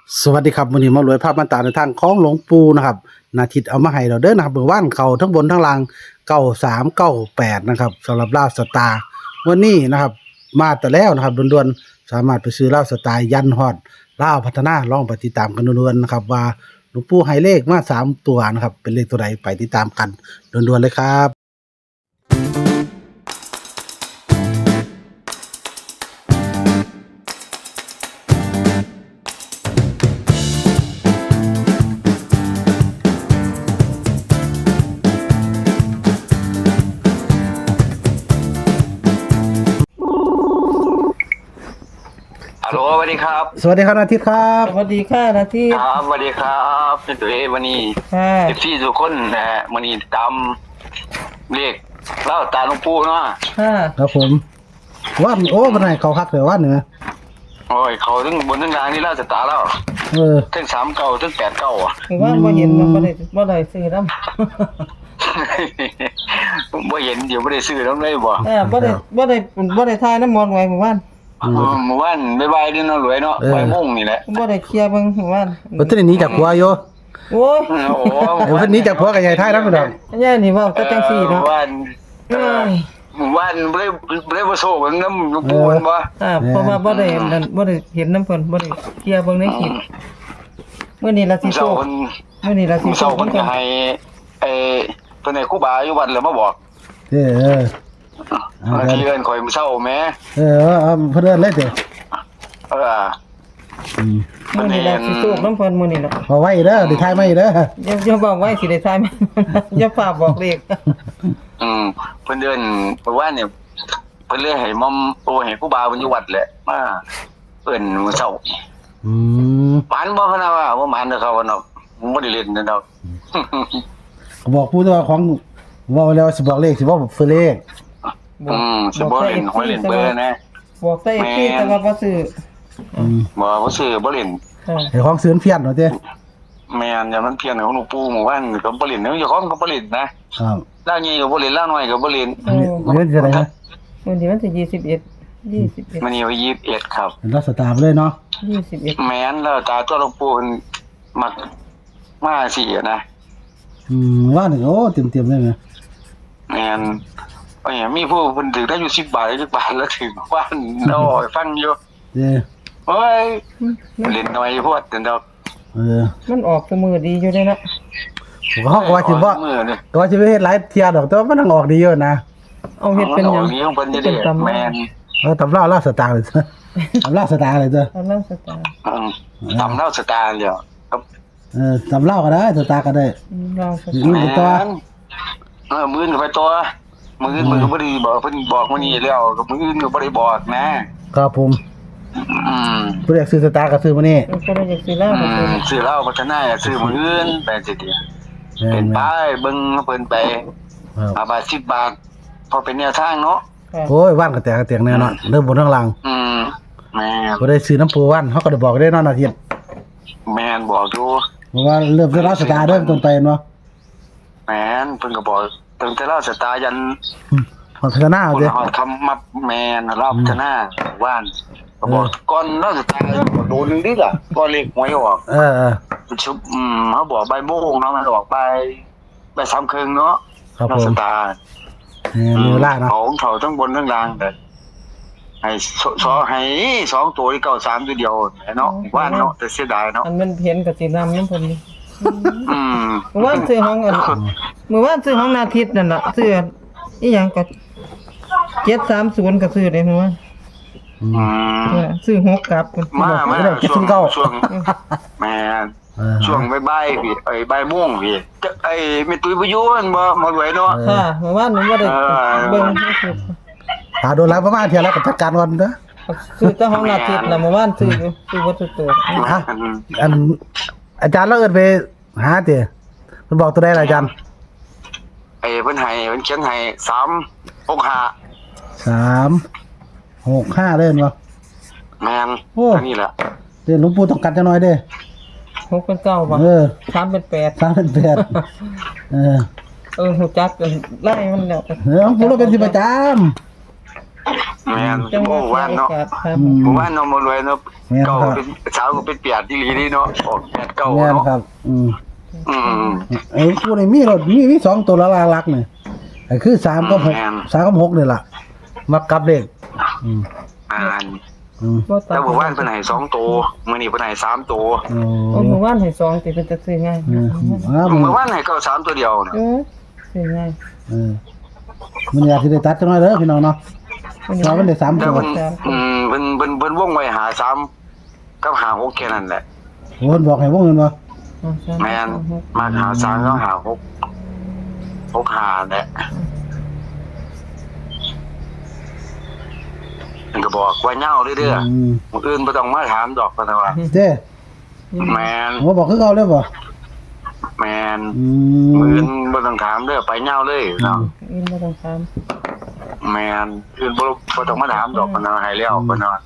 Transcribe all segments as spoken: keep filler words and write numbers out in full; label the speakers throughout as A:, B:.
A: สวัสดีครับวันนี้มารวยภาพมาตราในทางของหลวงปู่นะครับนาทิตเอามาให้เราเด้อนะครับเมื่อวานเขาทั้งบนทั้งล่างเก้าสามเก้าแปดนะครับสำหรับลาวสตาร์วันนี้นะครับมาแต่แล้วนะครับด่วนๆสามารถไปซื้อลาวสตาร์ยันฮอดลาวพัฒนาลองไปติดตามกันด่วนๆนะครับว่าหลวงปู่ให้เลขมาสามตัวนะครับเป็นเลขตัวใดไปติดตามกันด่วนๆเลยครับ
B: ฮัลโหลสวัสดีครับ
A: สวัสดีครับนาทิตครับ
C: สวัสดีค่ะนาที
B: ครับสวัสดีครับเป็นตัวเอวันนี้
C: ค่ะ
B: เอฟซีทุกคนนะฮะวันนี้ตามเรียกเล่าตาหลวงปู่เนาะ
C: ค่ะ
A: ครับผมว่านโอ้เป็นไงเขาคักเลยว่านเหนือ
B: โอ้ยเขาถึงบนทั้งล่างนี่เล่าจะตาแล้ว
A: เออ
B: ทั้งสามเก่าทั้งแปดเก่าอ่ะ
C: หรือว่าบ่เห็นมันบ่ได้บ่ได้ซื้อน้ำ
B: ผมบ่เห็นเดี๋ยวไม่ได้ซื้อแล้วเลยบ่
C: เออบ่ได้บ่ได้บ่ได้ทายน้ำมนต์ไว้หมู่บ้าน
B: เมื่อวานบ๊ายบายนี่เนาะรวยเนาะบ่ายโมงนี่แหละ
C: บ่ได้เคลียร์เบิ่งหมู่บ้าน
A: เพิ่นหนีจากผัวอยู่
C: โอ้ย
B: โอ้โห
A: เออเพิ่นหนีจากผัวกับยายไทยนำดอก
C: ยายนี่เว้าแต่จังซี่เนาะ
B: เมื่อวาน
C: เอ้ย
B: เมื่อวานบ่ได้บ่ได้บ่โซ่กันน้ำหลวงปู่มันบ่
C: อ่าเพราะว่าบ่ได้นั่นบ่ได้เห็นน้ำเพิ่นบ่ได้เคลียร์เบิ่งในคลิปมื้อนี้ล่ะสิโช
B: เจ้า
C: ค
B: คน
C: มื้อนี้ล่ะสิโช
B: เจ้า
C: ค
B: คนจะให้ไอ้ตัวไหนครูบาอยู่วัดแล้วมาบอก
A: เออเออ เอา
B: บาง
A: เดี๋ยว
B: ทีเอินข่อยมื้อเช้าแม่
A: เออเอาเพิ่นเอิ้นเลยเด้อ
B: เออ
A: อืม
C: มื้อนี้ล่ะสิโชคน้ำเพิ่นมื้อนี้ล่ะ
A: เอาไว้เด้อได้ทายไว้เด้อ
C: อย่าอย่าบอกไว้สิได้ทายมัน อย่าฝากบอกเลข
B: อืมเพิ่นเดินเพราะว่าเนี่ยเพิ่นเลยให้มอมโอ้ให้ครูบาเพิ่นอยู่วัดแหละมาเอิ้นมื้อเช้า
A: อืม
B: หมานบ่พะนะว่าบ่หมานเด้อเขาว่าเนาะบ่ได้เล่นเด้อเนาะ
A: บอกผู้ตัวของเว้าแล้วสิบอกเลขสิบอกเฟอเลข
B: อืมสิบ่เล่นหวยเล่นเบอร์นะ
C: บอกแต่ที่แต่ว่าบ่ซื้อ
A: อืม
B: บ่บ่ซื้อบ่เล่น
C: ค่ะ
A: ไอ้ของเสือนเพี้ยนเนาะเด้
B: แม่นอย่ามันเพี้ยนของหลวงปู่หมู่บ้านก็บ่เล่นเนาะเจ้าของก็บ่เล่นนะครับ ล่าวใหญ่ก็บ่เล่นล่าวน้อยก็บ่เล่น
C: โอ้
A: เงินจะได้นะ
C: วันที่วันที่ยี่สิบเอ็ดยี่สิบเอ็ด
B: มันนี่ว่ายี่สิบเอ็ดครับ
A: เป็นรักสตาร์ไปเลยเนาะ
C: ยี่สิบเอ็ด
B: แม่นแล้วตาตัวหลวงปู่เพิ่นมักมาสิอะนะ
A: อืมว่าหนึ่งโอ้เต็มๆเลยนะ
B: แม่นโอ้ยมีผู้เพิ่นถือได้อยู่สิบบาทสิบบาทแล้วถึงบ้านน้อยฟังอยู่
A: เด้อ
B: โอ้ยเล่นน้อยโพดแต่ดอก
A: เออ
C: มันออกตัวมือดีอยู่เลยนะ
A: ผมก็ว่าสิบ่
B: มือนี่
A: ก็ว่าสิไปเฮ็ดหลายเที่ยดอกแต่ว่ามันต้องออกดีอยู่นะ
C: เอาเฮ็ดเป็นหยัง
B: นี้ของเพิ่นจะได้
C: เป็นตำ
B: แม่น
A: เออตำราลาสตาร์เลยเด้อตำราสตาร์เลยเด้อ
C: เอาเรื่องสตาร์
B: อืมตำเล่าสตาร์แล้วครับ
A: เออตำราก็ได้สตาร์ก็ได้
C: เราส
A: อื
C: ตาม ร์
A: ไปต่อ
B: เออมื้อนี้ไปตัวมื้ออื่นมื้อก็บ่ได้บอกเพิ่นบอกมื้อนี้แล้วก็มื้ออื่นก็บ่ได้บอกนะครับ
A: ผม
B: อืม
A: ผู้เรียกซื้อสตาร์ก็ซื้อมานี่
C: เป็นคนละอย่างสิเล่า
B: อื
C: ก็คือ
B: มซื้อเหล้าพัฒนาซื้อมื้ออื่นไปสิเดียว
A: แม่
B: เป็น
A: น
B: ไปเบิ่งเพิ่นไป
A: ๆครับ
B: ห้าบาทสิบบาทพอเป็นแนวทางเนาะ
C: ค่ะ
A: โอ้ยว่านก็แตกก็แตกแน่เนาะเริ่มบนข้างล่าง
B: อืมแม่น
A: บ่ได้ซื้อน้ำปูว่านเฮาก็ได้บอกได้เนาะอาทิตย์
B: แม่นบอกอยู่
A: เพราะว่าเริ่มจะรับสตาร์เริ่มต้นไปเนาะ
B: แม่นเพิ่นก็บอกตั้งแต่เราสตาร์ยัน
A: อืมพัฒนา
B: ค
A: เอา
B: น
A: เด้
B: ฮอดคำมับแม่นเราพัฒนาว่านก็บอกก่อนเราสตาร์โดนนึงดิล่ะก่อนเลขหวยออก
A: เออเออ
B: ชุบอืมเขาบอกใบายโมงเนาะมันออกไปใบสามครึ่งเนาะ
A: ครับ
B: เรา
A: ผ
B: ส
A: ม
B: ตาร์
A: เออมีเวลาเนาะ
B: เขาเขาทั้งบนทั้งล่างแต่ให้สสอให้สองตัวที่เก้าสามตัวเดียวเนาะว่านเนาะแต่เสียดายเนาะ
C: อันมันเห็นกับสินำน้ำเพิ่นนี่
B: อืม
C: เมื่อวานซื้อห้องอันเมื่อวานซื้อห้องนาทิตย์นั่นน่ะซื้ออีหยังก็เจ็ดสามศูนย์ก็ซื้อได้เมื่อวาน
A: อืม
B: อืม
C: เออซื้อหกกลับ
B: มามา
A: ไม่ได้คิด
B: ช่ว
A: ถึ
B: ง
A: งเก้า
B: ช่วงแม่
A: เออ
B: ช่วงบ่ายๆพี่ไอ้บ่ายโมงพี่จะไอ้แม่ตุ้ยบ่อยู่มันบ่มารวยเนาะ
C: ค่ะเมื่อวานหนูบ่ได้เบิ่งให้ซื้อ
A: หาโดนแล้วประมาณเที่ยแล้วก็จัดการก่อนเด้อ
C: ซื้อแต่ห้องนาทิตย์น่ะเมื่อวานซื้ออยู่ซื้อบ่ตัวตัว
A: ฮะ อันอาจารย์เราเอิ้นไปหาติเพิ่นบอกตัวใดล่ะอาจารย์
B: ไอ้เพิ่นให้เพิ่นเขียนให้สามหกห้า
A: สามหกห้าเล่นบ่
B: แม่น
A: โอ้
B: อันนี้แหละ
A: เดี๋ยวหลวงปู่ต้องกัดจังหน่อยเด้อ
C: หกเป็นเก้าบ่
A: เออ
C: สามเป็นแปด
A: สามเป็นแปดเออ
C: เออหูจักกันไล่มันแล้ว
A: เออหลวงปู่เราเป็นสิประจำ
B: แม่น
C: จังห
B: โอ้
C: วะ
B: ว่า
C: โอ
B: เนาะ
C: กาสครับ
A: อืม
B: ผมว่าน้องมารวยเนาะ
A: แม่นครั
B: เก่า
A: บ
B: เป็นเช้าก็เป็นเปียดที่หลีนี่เนาะออกแปดเก้า
A: แม่น
B: เนาะ
A: ครับ อืม
B: อืม
A: ไอ้ผู้นี่มีรถมีมีสองตัวละลาลักเนี่ยไอ้คือสามกับหก
B: แม่น
A: สามกับหกนี่ล่ะมักกลับเลขอืม
B: อ่าน
A: อืม
C: บ่ตัด
B: แล้วบอกว่าเพิ่นให้สองตัวมื้อนี้เพิ่นให้สามตัว
A: โอ้
C: โอ้เมื่อวานให้สองติเป็นจะซื้อง่าย
A: เอออ้าว
B: เมื่อวานให้ก็สามตัวเดียวนะ
C: เออซื้อง่าย
A: เออมันอยากสิได้ตัดจังหน่อยเด้อพี่น้องเนาะเรามันได้สาม
B: แต่
A: ตัว
B: เพิ่นอืมเพิ่นเพิ่นเพิ่นวงไว้หาสามกับหาหกแค่นั้นแหละ
A: โอ้ยบอกให้วงเงินบ่
B: แม่นมาหาสามก็หาหกหกหาแหละมันก็บอกว่าเหย้าเรื่อย
A: อืม
B: ๆมื้ออื่นบ่ต้องมาถามดอกเพิ่นว่า
A: เจ้
B: แม่น
A: ผมบอกคือเก่าเลยบ่
B: แม่น
A: อื
B: มื้อ
A: ม
B: อื่นบ่ต้องถามเด้อไปเหย้าเลยเนาะ
C: อินบ่ต้องถาม
B: แม่นอื่นบ่บ่ต้องมาถามดอกเพิ่นว่าให้แล้วเพิ่นว่า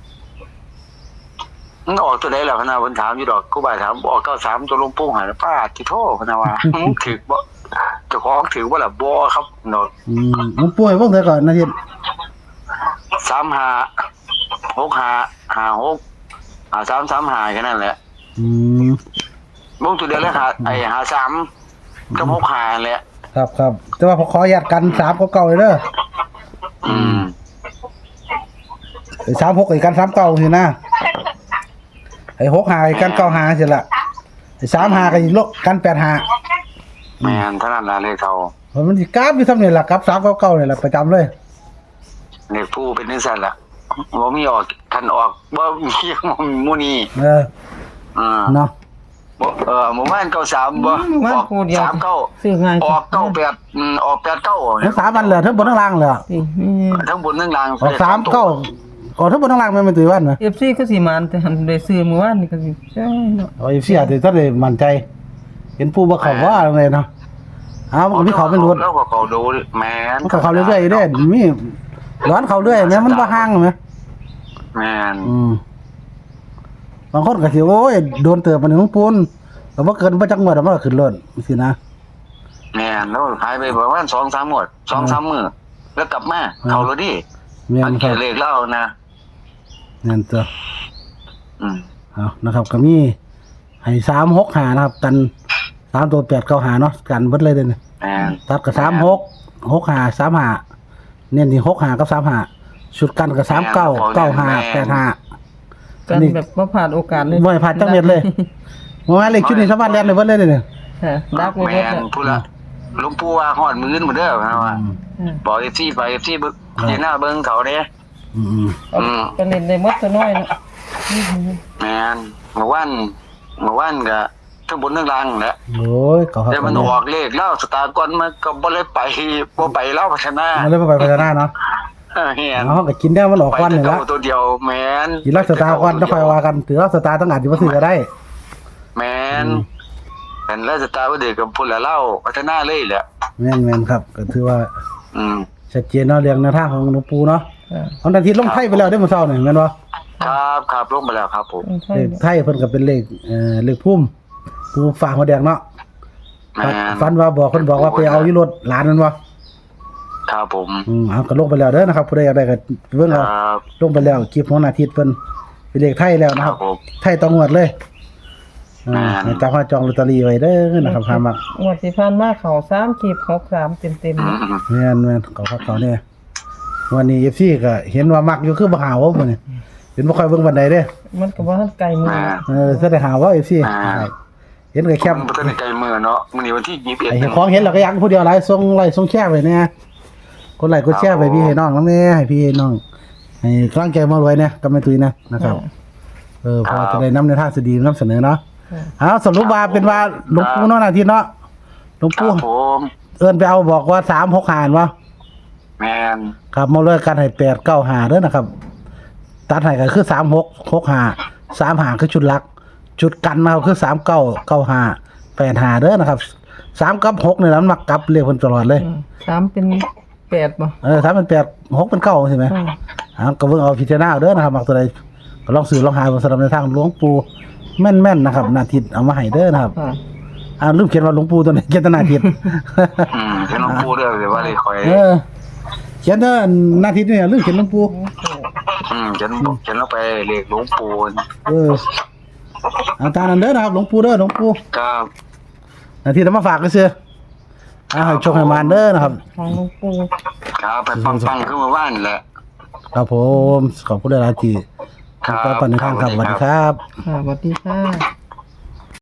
B: มันออกตัวใดแล้วเพิ่นว่าเพิ่นถามอยู่ดอกครูบาถามออกเก้าสามตัวหลวงปู่ให้ป้าที่โทเพิ่นว่ามึงถึกบ่เจ้าของถือบ่ล่ะบ่ครับเนาะ
A: อืมมันป่วยวงเท่าก่อนนาที
B: สามห้าหกห้าห้าหกห้าสามสามห้าแค่นั้นแหละ
A: อืม
B: วงตัวเดียวเลยหาไอ้ห้าสามกับหกห้าแหละ
A: ครับครับแต่ว่าพอขออนุญาตกันสามกับเก่าเลยเด้อ
B: อืม
A: ไอ้สามหกไอ้กันสามเก่าสินะไอ้หกหาไอ้กันเก้าหาสิละไอ้สามหากับอีกลบกันแปดหา
B: แม่นเท่านั้นล่ะเลขเขา
A: เพราะมันสิกราฟอยู่ทำนี่ล่ะครับสามเก้าเก้านี่ล่ะประจำเลย
B: เลขผู้เป็นจังซั่นล่ะบ่มีออกคันออกบ่มีหมู่นี้
A: เออ
B: อ่า
A: เนาะ
B: บ่เออหมู่บ้านเก้าสามบ่
C: มัน
B: ออก
C: คู่เดียว
B: สามเก้า
C: ซื้อง่าย
B: ออกเก้าแปดอืมออกแปดเก้า
A: ทั้งสามวันเลยทั้งบนทั้งล่างเลย
C: สินี่
B: ทั้งบนทั้งล่าง
A: ออกสามเก้าออกทั้งบนทั้งล่างไม่เป็นตัววันนะ
C: เอฟซีก็สิมานแต่หันได้ซื้อเมื่อวานนี่ก็สิใช่เนาะ
A: เอาอีเสียแต่ถ้าได้มั่นใจ เห็นผู้บ่เขาว่าอะไรเนาะอ้าวมันก็มีเขาเป็นรถ
B: แล้วก็เขาดูแม่น
A: มันก็เขาเรื่อยๆเด้มีร้อนเขาเรื่อยแม่มันบ่ห่างไหม
B: แม่น
A: อืมบางคนก็สิโอ้ยโดนเติบมันของปูนแต่ว่าเกินบ่จักงวดมันก็ขึ้นรถสินะ
B: แม่นแล้วหายไปประมาณสองสามหมวดสองสามมื้อแล้วกลับมาเขาเลยดิ
A: แม่น
B: อัน
A: ครั
B: แค่
A: บ
B: เลขเล่านะ
A: แม่นตัว
B: อืม
A: เอานะครับก็มีให้สามหกหานะครับ กันสามตัวแปดเก้าหาเนาะกันเบิดเลยเด้อเนี่ย
B: แม่น
A: ตัดกับสามหกหกหาสามหาเน้นที่หกหากับสามหาชุดกันกับสามเก้าเก้าหาแปดหา
C: กันแบบบ่ผ่านโอกาสเลย
A: บ่ให้ผ่านจังเม็ดเลยบ่ว่าเลขชุดนี้สามารถเรียนได้เบิดเลยเด้อเนี่ย
C: ค่ะดักไว้
B: แม่
C: เบิด
B: น
C: น่ะ
B: พูดละหลวงปู่ว่าฮอดมื้อหมดเด้อนะว่า
A: อืม
C: อืม
B: บอก เอฟ ซี ไป เอฟ ซี เบิ่งเจหน้าเบิ่งเขาเด้
A: อืมอืม
B: อืม
C: ก็เล่นได้หมดตัวน้อยเนาะอืม
B: แม่นเมื่อวานเมื่อวานก็ทั้งบนทั้งล่างแหละ
A: โอ้ยเขาครับ
B: แต่มันออกเลขแล้วสตาร์ก่อนมันก็บ่เลยไปบ่ไปเล่าพัฒนา
A: มันเลยบ่ไปพัฒนาเนาะ
B: เออเฮียน
A: เอาก็กินได้มันออก
B: ไป
A: ควัน
B: แต่
A: นี่
B: เก่า
A: ละ
B: ตัวเดียวแม่น
A: กินรักสตาร์ก่อนแล้วค่อยว่ากันถือรักสตาร์ต้องอาจสิบ่ซื้อก็ได้
B: แม่นเป็นแล้วสตาร์บ่ได้กับพุ่นละเล่าพัฒนาเลยแหละ
A: แม่นๆครับก็ถือว่า
B: อืม
A: ชัดเจนเนาะเรื่องแนวทางของหลวงปู่เนาะ
C: ค่ะ
A: ของทันทีลงไทยไปแล้วได้อมื้อเช้านี่แม่นบ่
B: ครับครับลงมาแล้วครับผม
C: อืมใช่
A: เลขไทยเพิ่นก็เป็นเลขเอ่อเลขพุ่มผู้ฝากหัวแดงเนาะ
B: แม่น
A: ฝันว่าบอกเพิ่นบอกว่าไปเอาอยู่รถหลานนั่นบ่
B: ครับผม
A: อืมเอาก็ลงไปแล้วเด้อนะครับผู้ใดอยากได้ก็เบิ่ง
B: ค
A: เอา
B: รับ
A: ลงไปแล้วคลิปของอาทิตย์เพิ่นเป็นเลขไทยแล้วนะ
B: ค
A: ค
B: รั
A: รั
B: บบ ผม
A: ไทยต้องงวดเลยอ่า
B: อ่า
A: ให้จับมาจองลอตเตอรี่ไว้เด้อนะครับหามัก
C: งวดที่ผ่านมาเขาสามขีบหกสามเต็ม
B: อื
C: ๆเนาะ
B: ม
A: แม่นแม่นเขาเขาเขาเนี่ยวันนี้ เอฟ ซี ก็เห็นว่ามักอยู่คือบ่หาว่ามื้อนี้เห็นบ่ค่อยเบิ่งบันไดเด้อ
C: มันก็บ่ทันไกลมือ
B: แม่
A: เออแสดงหาว่า เอฟ ซี
B: อ่า
A: เห็นก็แคป
B: มันบ่ทันได้ไกลมือเนาะมื้อนี้วันที่ยี่สิบเอ็ด
A: ไอ้เจ้าของเห็นแล้วก็อยากผู้เดียวหลายส่งไลค์ส่งแชร์ไว้แน่กดไลค์กดแชร์ไปพี่ให้น้องนำแน่ให้พี่ให้น้องให้กำลังใจมารวยเนี่ยกับแม่ตุ้ยนะนะครับ เออพอจะได้นำในทางสดีนำเสนอเนาะ
C: ค่ะ
A: เอาสรุปว่าเป็นว่าหลวงปู่เนาะนาทีเนาะหลวง
B: ครั
A: ปู่
B: บผม
A: เอิ้นไปเอาบอกว่าสามหกหารวะ
B: แม่น
A: ครับมาเลยกันให้แปดเก้าหาเด้อนะครับ ตัดให้ก็คือสามหกหกหาสามหาคือชุดหลัก จุดกันนะครับคือสามเก้าเก้าหาแปดหาเด้อนะครับสามกับหกเนี่ยมันมักกลับเรียกคนตลอดเลย
C: อืมสามเป็นแปดบ่
A: เออสามเป็นแปดหกเป็นเก้าใช่ไหม
C: อืม
A: อ่าก็เบิ่งเอาพิจารณาเอาเด้อนะครับมักตัวใดก็ลองซื้อลองหาบนสำหรับในทางหลวงปู่แม่นๆนะครับนาทิตเอามาให้เด้อนะครับ
C: ค่ะ
A: อ่าลืมเขียนว่าหลวงปู่ตัวไหนเขียนแตนาทิต
B: อืมเป็นหลวงปู่เด้อหรือว่าเลยคอย
A: เออ เขียนเด้อหน้าทิศเนี่ยเรื่องเขียนหลวงปู่
B: อืมเขียนเขียนลงไปเลขหลวงปู่
A: เอออาจารย์นั่นเด้อนะครับหลวงปู่เด้อหลวงปู่
B: ครับ
A: หน้าที่นำมาฝากก็ซื่ออ่าให้โชคให้มานเด้อนะครับ
C: ของหลวงปู่
B: ครับไปปังๆขึ้นมาบ้านแหละ
A: ครับผมขอบคุณหลายๆที่
B: ครับ
A: ก็ปันในทางครับสวัสดีครับ
C: ค่ะสวัสดีค่ะ